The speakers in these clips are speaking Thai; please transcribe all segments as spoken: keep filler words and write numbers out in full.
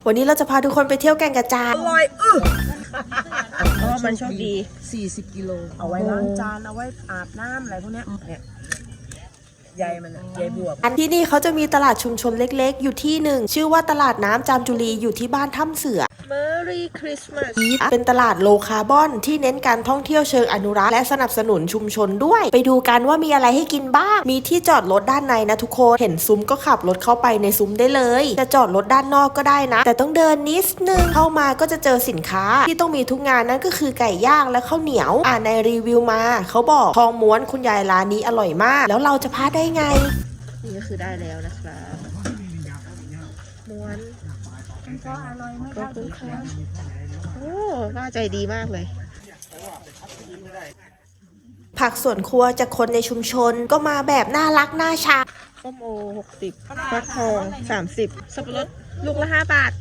วันนี้เราจะพาทุกคนไปเที่ยวแก่งกระจานอร่อยอื้อเพราะว่ามันโชคดีสี่สิบกิโลเอาไว้ล้างจานเอาไว้อาบน้ำอะไรพวกเนี้ยเนี่ยใยมันอะใยบวบอันที่นี่เขาจะมีตลาดชุมชนเล็กๆ อยู่ที่หนึ่งชื่อว่าตลาดน้ำจามจุรีอยู่ที่บ้านถ้ำเสือ Merry Christmas เป็นตลาดโลคาร์บอนที่เน้นการท่องเที่ยวเชิงอนุรักษ์และสนับสนุนชุมชนด้วย ไปดูกันว่ามีอะไรให้กินบ้าง มีที่จอดรถด้านในนะทุกคนเห็นซุ้มก็ขับรถเข้าไปในซุ้มได้เลยจะจอดรถด้านนอกก็ได้นะแต่ต้องเดินนิดนึงเข้ามาก็จะเจอสินค้าที่ต้องมีทุกงานนั่นก็คือไก่ย่างและข้าวเหนียวอ่านในรีวิวมาเขาบอกทองม้วนคุณยายร้านนี้อร่อยมากแล้วเราจะพลาดได้ไงนี่ก็คือได้แล้วนะครับม้วนก็อร่อยมากขอบคุณค่ะโอ้น่าใจดีมากเลยผักสวนครัวจากคนในชุมชนก็มาแบบน่ารักน่าชังส้มโอหกสิบฟักทองสามสิบสับปะรดลูกละห้าบาท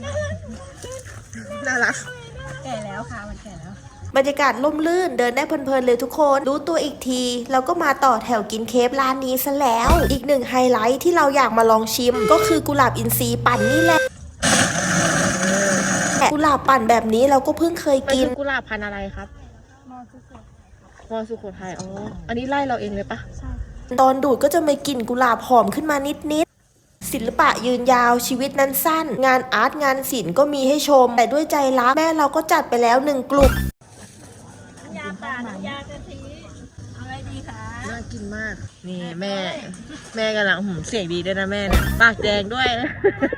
น่ารักแก่แล้วค่ะมันแก่แล้วบรรยากาศร่มรื่นเดินได้เพลินๆเลยทุกคนรู้ตัวอีกทีเราก็มาต่อแถวกินเคฟร้านนี้ซะแล้วอีกหนึ่งไฮไลท์ที่เราอยากมาลองชิมก็คือกุหลาบอินทรีย์ปั่นนี่แหละกุหลาบปั่นแบบนี้เราก็เพิ่งเคยมันกินคือกุหลาบพันธุ์อะไรครับมอสุโขทัยอ๋ออันนี้ไล่เราเองเลยปะตอนดูดก็จะมีกลิ่นกุหลาบหอมขึ้นมานิดๆศิลปะยืนยาวชีวิตนั้นสั้น งานอาร์ตงานศิลป์ก็มีให้ชมแต่ด้วยใจรักแม่เราก็จัดไปแล้วหนึ่งกลุ่มยาป่าน้ำยากะทิอะไรดีคะน่ากินมาก นี่แม่ แม่กำลังหืมเสียงดีด้วยนะแม่เนี่ยปากแดงด้วยนะ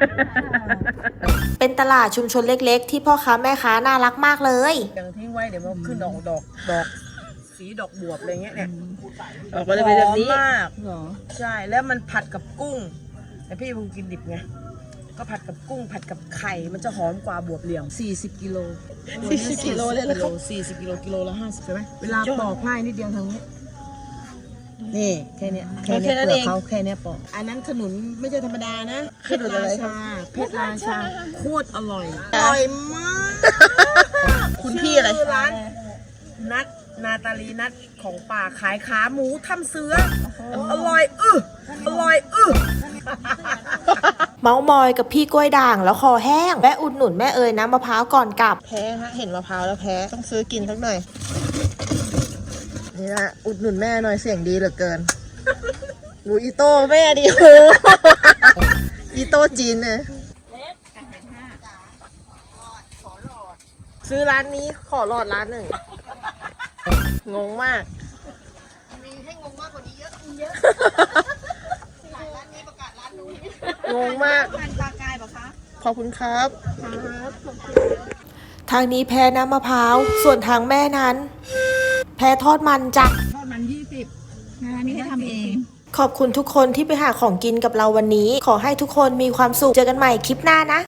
เป็นตลาดชุมชนเล็กๆ ที่พ่อค้าแม่ค้าน่ารักมากเลยยังทิ้งไว้เดี๋ยวมันขึ้นดอกดอกดอกสีดอกบวบอะไรเงี้ยเนี่ยออกมาเลยเป็นแบบนี้หอมมากใช่แล้วมันผัดกับกุ้งแต่พี่เพิ่งกินดิบไงก็ผัดกับกุ้งผัดกับไข่มันจะหอมกว่าบวบเหลี่ยมสี่สิบกิโลสี่สิบกิโลเลยเหรอครับสี่สิบกิโลกิโลละห้าสิบใช่ไหมเวลาปอกง่ายนิดเดียวทางนี้นี่แค่เนี้ยแค่เนี้ยเปลือกเขาแค่เนี้ยปอกอันนั้นขนุนไม่ใช่ธรรมดานะเพชรราชาเพชรราชาโคตรอร่อยอร่อยมากคุณพี่อะไรชื่ร้านนัดนาตาลีนัดของป่าขายขาหมูทำเสืออร่อยอื้ออร่อยอื้อเมาส์มอยกับพี่กล้วยด่างแล้วคอแห้งแวะอุดหนุนแม่เอ๋ยน้ำมะพร้าวก่อนกลับแพ้ฮะเห็นมะพร้าวแล้วแพ้ต้องซื้อกินสักหน่อย นี่นะอุดหนุนแม่หน่อยเสียงดีเหลือเกินดูอีโต้แม่ดิโหอีโต้จีนเนี่ยซื้อร้านนี้ขอหลอดร้านหนึ่งงงมาก มีให้งงมากกว่านี้เยอะเยอะร้านนี้ประกาศร้านนู้นงงมากปลากายปะคะขอบคุณครับครับทางนี้แพ้น้ำมะพร้าวส่วนทางแม่นั้น แพ้ทอดมันจ้ะทอดมันยี่สิบนะคะนี่ให้ทำเองขอบคุณทุกคนที่ไปหาของกินกับเราวันนี้ ขอให้ทุกคนมีความสุขเจอกันใหม่คลิปหน้านะ